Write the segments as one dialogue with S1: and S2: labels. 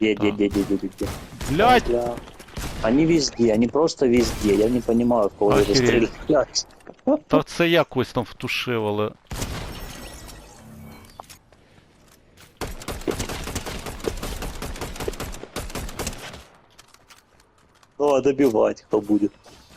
S1: Где?
S2: Блядь!
S1: Бля. Они везде, они просто везде. Я не понимаю, в кого вы
S2: Охереть.
S1: стреляете.
S2: Та це я когось там втушив, але...
S1: Ну, а добивать кто будет?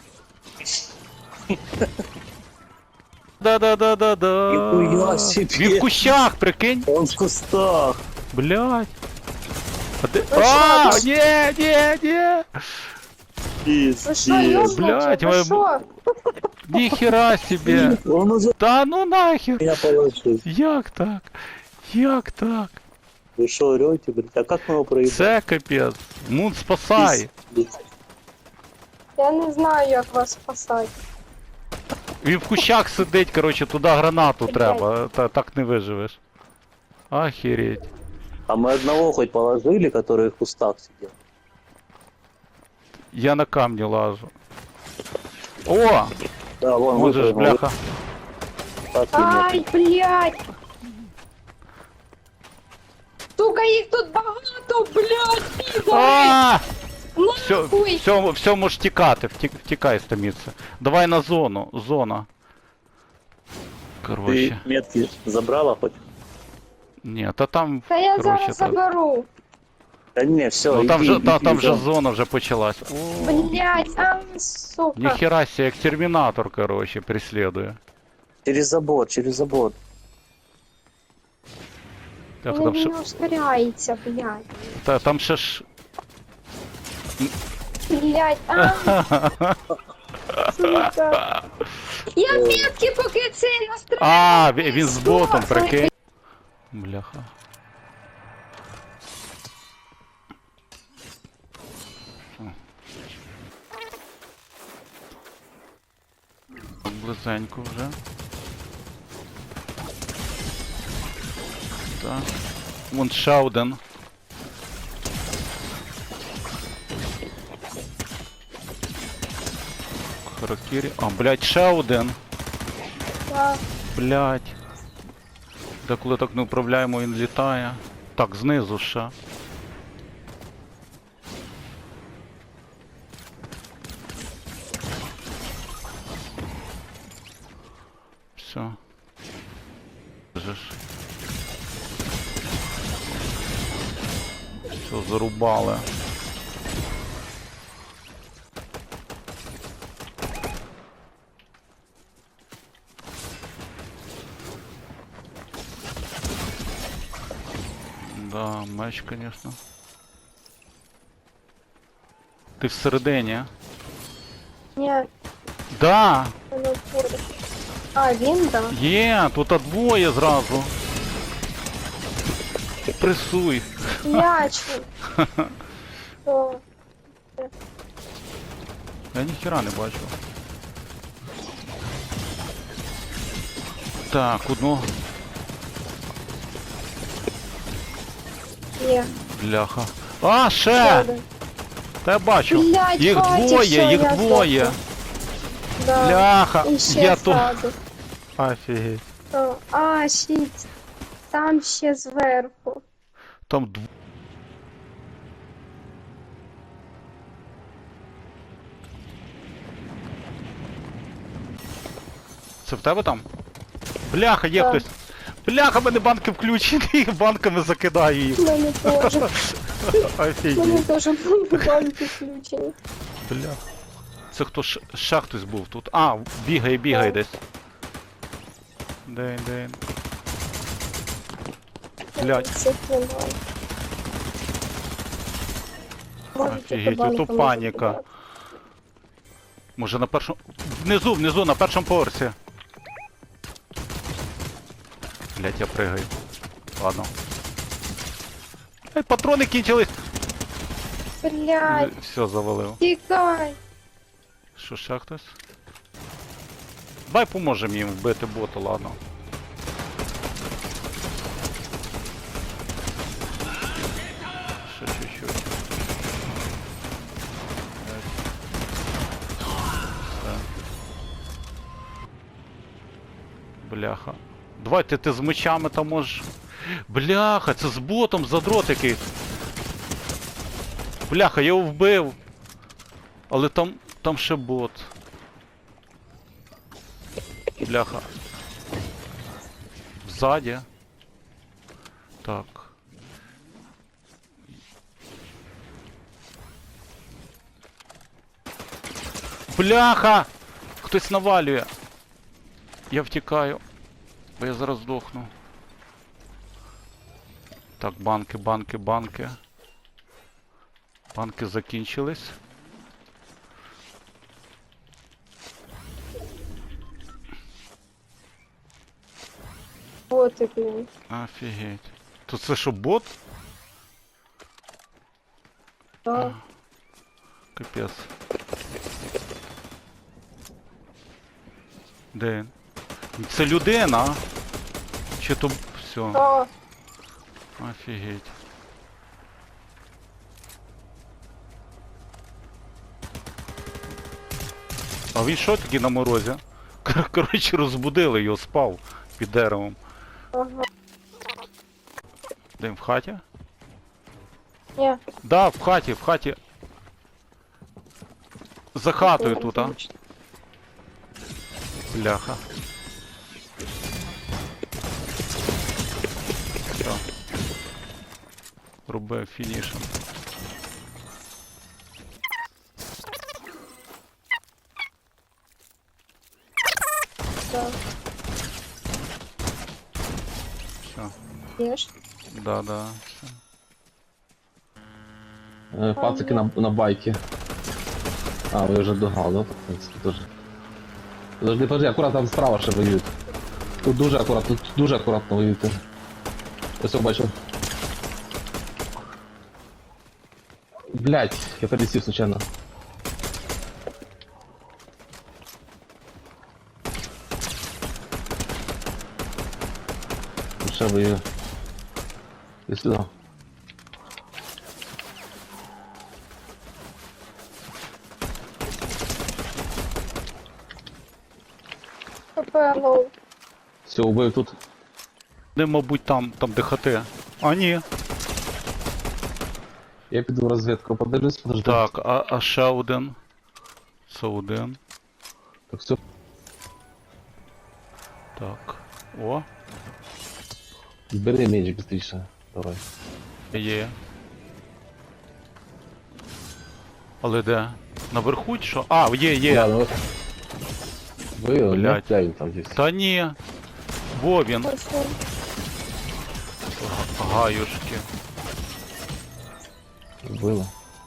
S2: Да-да-да-да-да.
S1: Нихуя себе.
S2: Він в кущах, прикинь.
S1: Он в кустах.
S2: Блядь. А ти...
S3: Ви
S2: А,
S3: що?
S2: ні.
S3: Ви що,
S1: Пиздец.
S3: ёбнуті?
S2: Блядь,
S3: Ви
S2: ви-
S3: що?
S2: Ніхера себе.
S1: Он уже
S2: Та ну нахер.
S1: меня положил.
S2: Як так? Як так?
S1: Вы что, орете, блядь? А как мы его проебали?
S2: Це капець. Мун спасай.
S1: Пиздец.
S3: Я не знаю, як вас спасати.
S2: Він в кущах сидить, короче, туди гранату
S3: Блядь.
S2: треба. Так не виживеш. Охереть.
S1: А мы одного хоть положили, который в кустах сидел?
S2: Я на камні лажу. О!
S1: Да, вон
S2: Можеш,
S1: выпрыгнул.
S2: бляха.
S1: Так и нет.
S3: Ай, блядь! Сука, їх тут багато, блядь, підари!
S2: А!
S3: Нахуй!
S2: Все можеш тікати, втікай з того місця. Давай на зону, зона.
S1: Ты
S2: Короче.
S1: метки забрала хоть?
S2: Ні, та там,
S3: Та я
S2: короче,
S3: зараз
S2: та...
S3: заберу.
S1: Да не, все,
S2: Ну там же, там же зона вже почалась. О,
S3: Блядь, а, сука.
S2: ніхера себе, як термінатор, короче, преследує.
S1: Через забор.
S2: Так,
S3: Він
S2: там
S3: не
S2: ще,
S3: ускоряється, блядь.
S2: там ще ж...
S3: Блядь, а, сука. Я метки поки цей настріляю.
S2: А, він з ботом, прикинь. Бляха. Близенько вже. Так. Вон ще один. Харакірі. А, блядь, ще один.
S3: Так.
S2: Блядь. Де коли так не управляємо, він літає. Так, знизу ще. Все. Все, зарубали. Да, меч, конечно. Ти всередині? А?
S3: Ні,
S2: Да!
S3: воно буде. А, він, да.
S2: Є, тут двоє зразу. Пресуй.
S3: Ячний. О,
S2: Я ніхіра не бачу. Так, одну.
S3: є.
S2: Бляха. А, ще!
S3: Один.
S2: Та я бачу.
S3: Блядь,
S2: Їх
S3: хватить,
S2: двоє,
S3: всё,
S2: їх
S3: я
S2: двоє.
S3: здохла. Да.
S2: Бляха.
S3: І ще
S2: Я то...
S3: ззаду.
S2: Офігеть.
S3: О, а, щит. Там ще зверху.
S2: Там Це в тебе там? Бляха, є
S3: Так.
S2: хтось. Бляха, в мене банки включені, банками закидаю їх.
S3: У мене теж. У мене
S2: Офігеть.
S3: теж банки включені.
S2: Бля. Це хто ще хтось був тут? А, бігає
S3: Так.
S2: десь. Де. Блядь.
S3: Цих немає. Можете
S2: Офігеть,
S3: банками
S2: ото паніка.
S3: закидати.
S2: Може на першому... Внизу, на першому поверсі. Блядь, я пригаю. Ладно. Ай, патрони кінчились.
S3: Блядь,
S2: Все, завалив.
S3: тікай.
S2: Що, ще хтось? Давай поможемо їм вбити бота, ладно. Ще чуть-чуть. Все. Бляха. Давайте ти з мечами там можеш. Бляха, це з ботом задрот якийсь. Бляха, я його вбив. Але там ще бот. Бляха. Ззаді. Так. Бляха! Хтось навалює. Я втікаю. Бо я зараз здохну. Так, банки. Банки закінчились.
S3: Боти, блін.
S2: Офігеть. То це що, бот?
S3: Да.
S2: Капець. Де він? Це людина? Чи то... Все.
S3: Да.
S2: Офігеть. А він що такий на морозі? Коротше, розбудили його, спав під деревом.
S3: Ага.
S2: Де він, в хаті?
S3: Ні.
S2: Да, в хаті. За хатою тут, а? Бляха. Все. Роби фінішем.
S3: Да.
S2: Все.
S3: Єш.
S2: Да. Все.
S4: Пацики на байке. А, ви вже догнали, да? В принципі, тоже. Подожди, аккуратно, там справа ще воюють. Тут дуже акуратно воюють. Я все бачу. Блять, я пересів случайно. Тут ще воює. Іди сюди.
S3: ПП-лоу.
S4: Все, убив тут.
S2: Де, мабуть, там де хати. А, ні.
S4: Я піду в розвідку, подивлюсь, подожди.
S2: Так, а ще один. Це один.
S4: Так, все.
S2: Так. О,
S4: Бери меч быстріше. Давай.
S2: є. Але де? Наверху чи що? А, є.
S4: Ладно, вот. Вывел,
S2: Блядь.
S4: да, він там есть.
S2: Та ні. Во він.
S3: Ось він.
S2: Гаюшки.
S4: Было.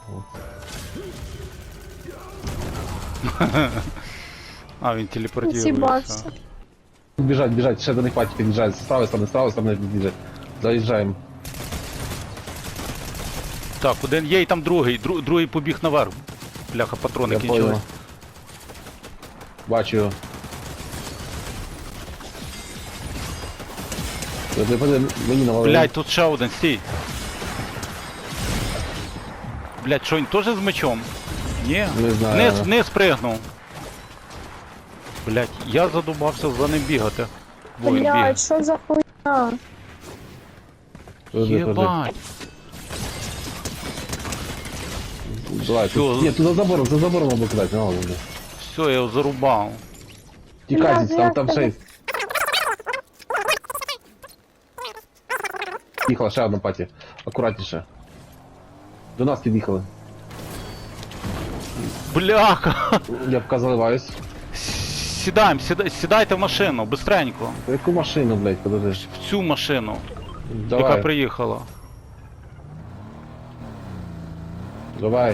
S2: А, він телепортується.
S3: Зібався.
S4: Бежать, ще до них паті під'їжджають. З правої сторони біжать. Заїжджаємо.
S2: Так, один є і там другий. Другий побіг наверх. Бляха, патрони
S4: Я
S2: кінчились.
S4: понял. Бачу його. Мені навалили.
S2: Блять, тут ще один, стій. Блять, що він теж з мечом? Ні?
S4: Не знаю.
S2: Вниз пригнув. Блять, я задумався за ним бігати. Во він бігає.
S3: Блядь, що за хуйня?
S4: Подожди.
S2: Єбать.
S4: Давай,
S2: Всё.
S4: тут... Ні, тут за забором або кидати, не ладно.
S2: Все, я його зарубав.
S4: Тікайте, там ще є. Їхала ще одна паті. Акуратніше. До нас під'їхали.
S2: Бляха!
S4: Я поки заливаюсь.
S2: Сідайте в машину, бистренько.
S4: Та яку машину, блядь, подожди.
S2: В цю машину, яка
S4: Давай,
S2: приїхала.
S4: давай.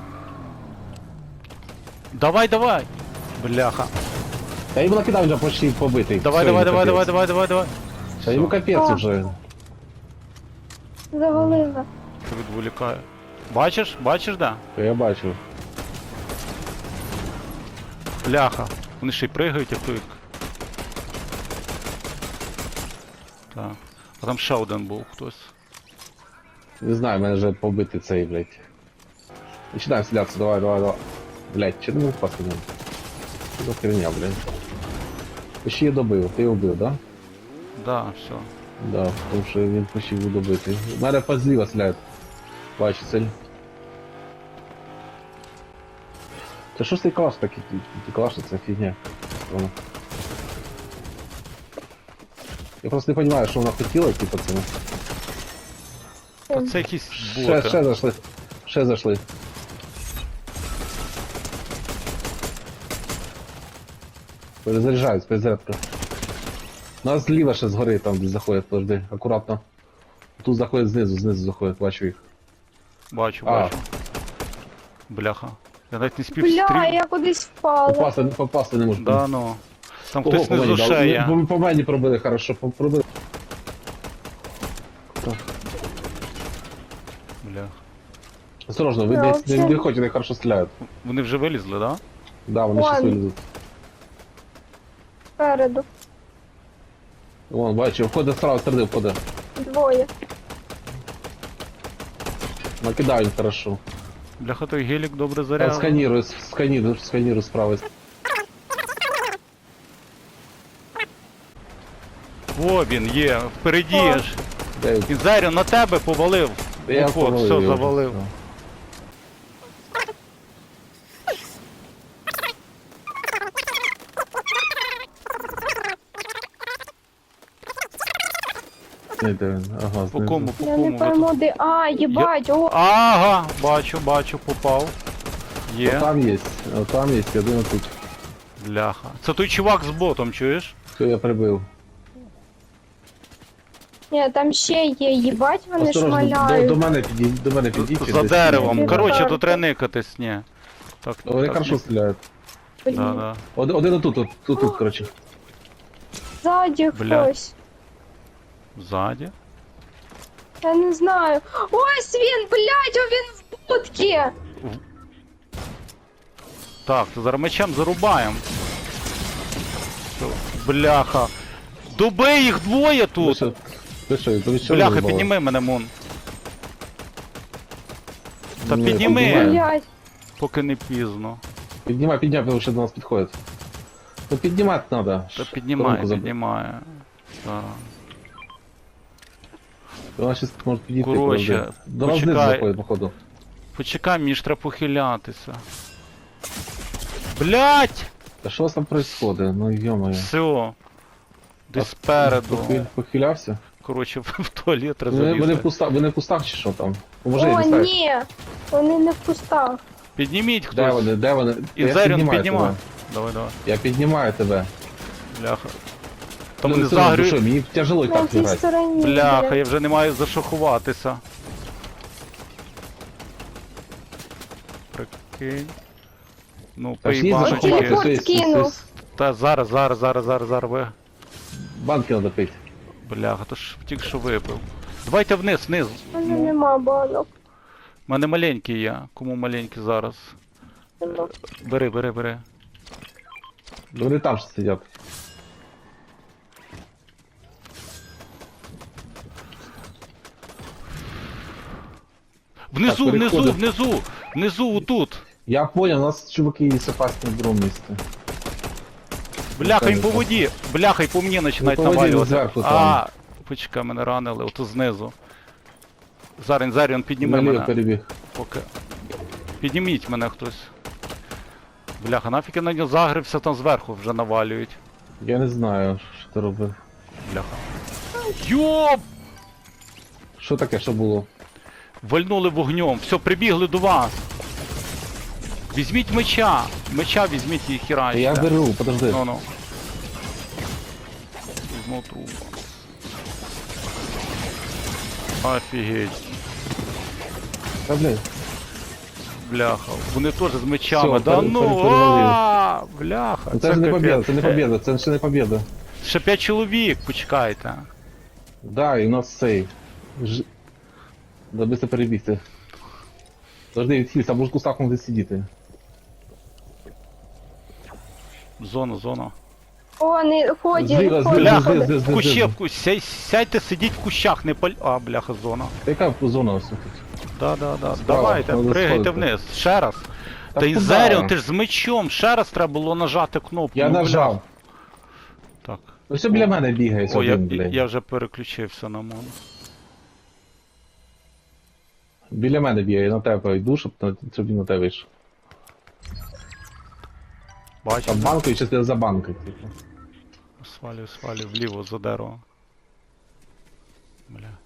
S2: Давай. Бляха.
S4: Та йому накидав вже почти побитий.
S2: Давай.
S4: Та йому капець
S3: Що?
S4: вже.
S3: Завалила.
S2: Відволікаю. Бачиш, да?
S4: То я бачу.
S2: Бляха. Вони ще й пригають, як той. Так. А там ще один був хтось.
S4: Не знаю, в мене вже побитий цей, блядь. Починаємо стрілятися, давай. Блядь, чи не мог впасти в нього? Що за херня, блядь? Почти я добив, ти його вбив, да?
S2: Да, все.
S4: Да, тому що він почти був добитий. У мене позліва стріляють. Бачу цель. Це що ж цей калаш такий? Калаш це фігня. Воно. Я просто не розумію, що вона хотіла, типу, це.
S2: Та це якісь
S4: Ще
S2: боти.
S4: зайшли. Ще зайшли. Перезаряджаюсь, перезарядка. Нас зліва ще згори там десь заходять, подожди, акуратно. Тут заходять знизу заходять, бачу їх.
S2: Бачу,
S4: А.
S2: бачу. Бляха. Я навіть не спів
S3: Бля,
S2: стріл.
S3: я кудись впала.
S4: Попасти не можу.
S2: Да, ну. Там
S4: Ого,
S2: хтось
S4: по мені
S2: внизу
S4: дав.
S2: ще є.
S4: По мені пробили, хорошо, пробили.
S2: Бляха.
S4: Осторожно, ви
S3: Да,
S4: десь
S3: вообще.
S4: не виходять, вони хорошо стріляють.
S2: Вони вже вилізли, да?
S4: Да, вони щас
S3: Вон.
S4: вилізуть.
S3: Спереду.
S4: Вон, бачу, входить з правої сторони, входить.
S3: Двоє.
S4: Накидають хорошо.
S2: Бляха, той гелік добре
S4: Я
S2: заряд.
S4: сканирую справа.
S2: О, він є, впереді
S3: О.
S2: ж.
S4: Де він?
S2: Він Зарю на тебе повалив.
S4: Я
S2: От,
S4: повалив
S2: все,
S4: його.
S2: завалив.
S4: Не, де він? Ага,
S2: По
S4: знизу.
S2: кому, по
S3: Я не
S2: кому? Ви
S3: пойму,
S2: тут-
S3: де. А, їбать, о,
S2: Ага, бачу, попав. Є.
S4: Там є, один тут.
S2: Бляха. Це той чувак з ботом, чуєш?
S4: Все, я прибив.
S3: ні, там ще є, їбать, вони
S4: Осторожно,
S3: шмаляють.
S4: до мене підійдіть.
S2: За
S4: десь.
S2: деревом.
S3: Ні.
S2: Коротше,
S3: Ні.
S2: тут треба никатись, ні. Так,
S4: Вони
S2: так,
S4: хорошо
S2: ні.
S4: стріляють.
S3: Блін.
S2: Да, да.
S4: Один отут, тут, коротше.
S3: Ззаді
S2: Бля.
S3: хтось.
S2: Ззаді.
S3: Я не знаю. Ось він, блядь, о, він в будці.
S2: Так, то зараз мечем зарубаємо. Все, бляха. Дуби їх двоє тут.
S4: Ви що,
S2: Бляха, підніми мене, Мун. Та
S4: Ні,
S2: підніми,
S4: піднімаю.
S3: Блядь.
S2: поки не пізно.
S4: Піднімай, тому що до нас підходять. Ну піднімати треба.
S2: Та піднімає, піднімає. Так.
S4: Вона щас може підійти.
S2: Коротше,
S4: подожди. До нас знизу
S2: почекай.
S4: заходить, походу.
S2: Почекай, мені ж треба похилятися. Блять!
S4: Та що у вас там происходит? Ну йо-моє.
S2: Все. Десь спереду.
S4: Похилявся?
S2: Коротше, в туалет треба
S4: Вони в
S2: залізти.
S4: вони в кустах чи що там? Поможи,
S3: О,
S4: дістай.
S3: ні. Вони не в кустах.
S2: Підніміть
S4: Де
S2: хтось.
S4: вони, де вони?
S2: І
S4: Я
S2: Заріон
S4: піднімаю
S2: піднімай.
S4: тебе.
S2: Давай, давай.
S4: Я піднімаю тебе.
S2: Бляха. Там
S4: Ну,
S2: вони
S4: не сильно
S2: загрю...
S4: душою, мені тяжело і
S3: На
S4: так
S3: цій
S4: лежать.
S3: стороні.
S2: Бляха,
S3: блядь.
S2: я вже не маю за що ховатися. Прикинь. Ну,
S4: Та ж ні, за
S2: поїбано
S4: що
S3: телефон
S2: тільки.
S4: ховатися?
S3: скинув.
S2: Та зараз ви.
S4: Банки треба пити.
S2: Бляха, то ж тільки що випив. Давайте вниз.
S3: У мене нема банок.
S2: У мене маленький є. Кому маленький зараз?
S3: Нема.
S2: Бери.
S4: Вони там ще сидять.
S2: Внизу,
S4: Так, переходимо.
S2: внизу, отут.
S4: Я понял, у нас чуваки есть опасные в другом месте.
S2: Бляха, їм по воді. Бляха, і по мені починають
S4: Ну, по воді
S2: навалювати.
S4: зверху там.
S2: А, почекай, мене ранили, ото знизу. Зарін, підніми
S4: Наліво
S2: мене.
S4: перебіг.
S2: Поки. Підніміть мене хтось. Бляха, нафіг я на нього загрився, там зверху вже навалюють.
S4: Я не знаю, що ти робив.
S2: Бляха. Йоп!
S4: Що таке, що було?
S2: Вальнули вогнем. Все, прибігли до вас. Візьміть меча. Меча візьміть і хірайте.
S4: Я беру, подожди.
S2: Ну. Візьму трубку. Офігеть.
S4: Та, блін.
S2: Бляха. Вони теж з мечами.
S4: Всьо,
S2: Да
S4: перевалив.
S2: бляха.
S4: Ну, це ж не
S2: капець.
S4: побіда, це не побіда, це ще не побіда.
S2: Ще 5 чоловік, почекайте.
S4: Да, і у нас цей. Да быстро перебігти. Подожди, відхилься, може в кустах може сидіти.
S2: Зона.
S3: О, вони ходять,
S4: Зліва,
S3: ходять,
S2: Бляха,
S3: ходять.
S2: В кущі, сядьте, сидіть в кущах, не паль... А, бляха, зона.
S4: Та яка зона у нас тут?
S2: Да.
S4: Справа,
S2: Давайте,
S4: треба
S2: пригайте
S4: сходити.
S2: вниз. Ще раз.
S4: Та
S2: Та й
S4: куди?
S2: Заріон, ти ж з мечом. Ще раз треба було нажати кнопку.
S4: Я
S2: ну,
S4: нажав.
S2: бля. Так.
S4: Ну все біля мене бігає
S2: О,
S4: один, блядь.
S2: я вже переключився на мон.
S4: Біля мене бігає, я на тебе йду, щоб він на тебе йшов.
S2: Бачу.
S4: Там банкою чи ти за банкою, типу.
S2: Свалюю вліво за дерево. Бля.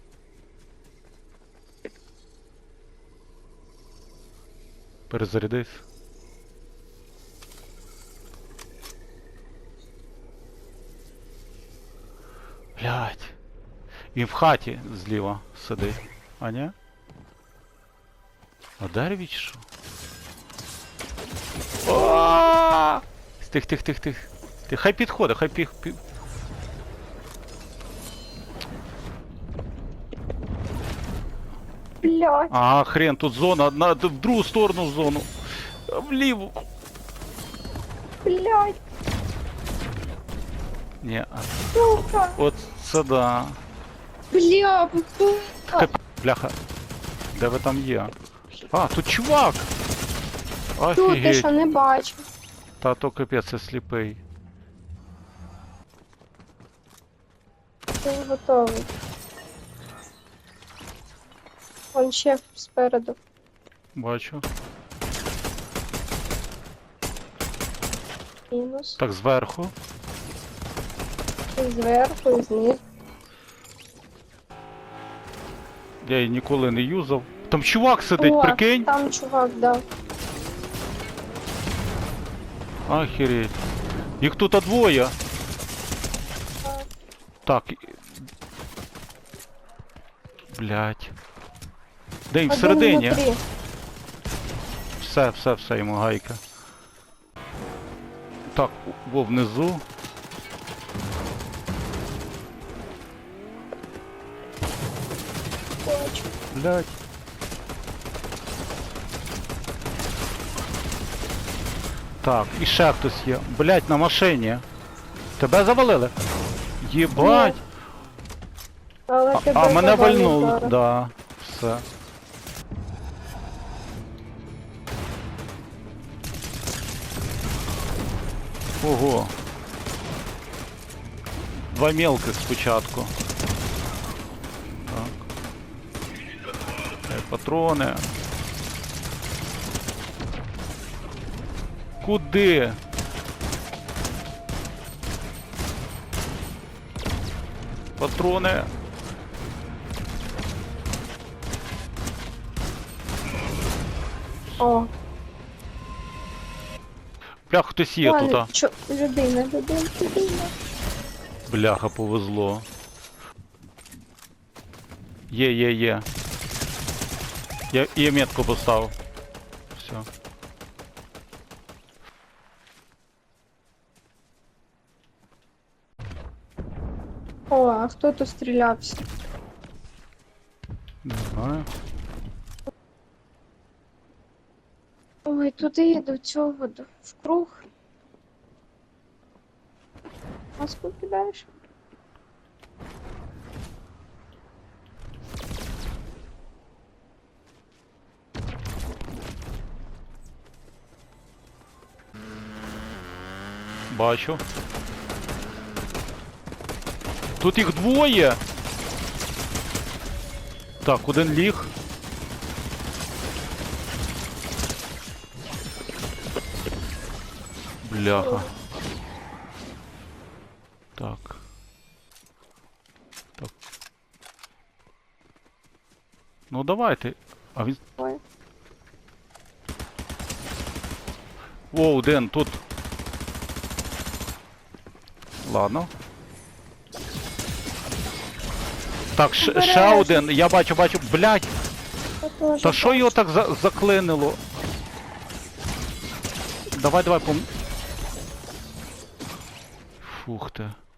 S2: Перезарядись. Блядь. Він в хаті зліва сидить. А ні? На дереві чи що? О! Тих. Хай підходить, хай
S3: Блядь,
S2: Ага, хрен, тут зона, одна, в другу сторону зону. Вліву.
S3: блядь,
S2: Ні,
S3: сука.
S2: от це да.
S3: Бля,
S2: Бляха. Де ви там є? А, тут чувак!
S3: тут ти
S2: Офігеть.
S3: що не бачу.
S2: Та то капець, я сліпий.
S3: Ти готовий. Вон ще спереду.
S2: Бачу.
S3: Мінус.
S2: Так, зверху.
S3: І зверху, і знизу.
S2: Я її ніколи не юзав. Там чувак сидить,
S3: О,
S2: прикинь.
S3: там чувак, да.
S2: Охереть. Їх тут двоє. Так. Блять. Де він
S3: Один
S2: всередині?
S3: внутрі.
S2: Все, йому гайка. Так, во внизу.
S3: Бачу.
S2: Блять. Так, і ще хтось є. Блять, на машині. Тебе завалили? Єбать.
S3: Але тебе
S2: А мене
S3: завалять
S2: вальнуло.
S3: зараз.
S2: Да, все. Ого. Два мелких спочатку. Так. Патрони. Куди? Патрони.
S3: О,
S2: Бляха, хтось є тут, а.
S3: Людина.
S2: Бляха, повезло. Є. Я метку поставив. Все.
S3: О, а хто тут стрілявся?
S2: Не знаю.
S3: Ой, туди, до цього, в круг. Маску кидаєш?
S2: Бачу. Тут їх двоє. Так, один ліг. Бляха. Так. Ну давайте. А він...
S3: Ой.
S2: О, один тут. Ладно. Так, ще
S3: Обережно.
S2: один. Я бачу. Блядь.
S3: Я теж
S2: Та що його так заклинило? Давай, Фух ти.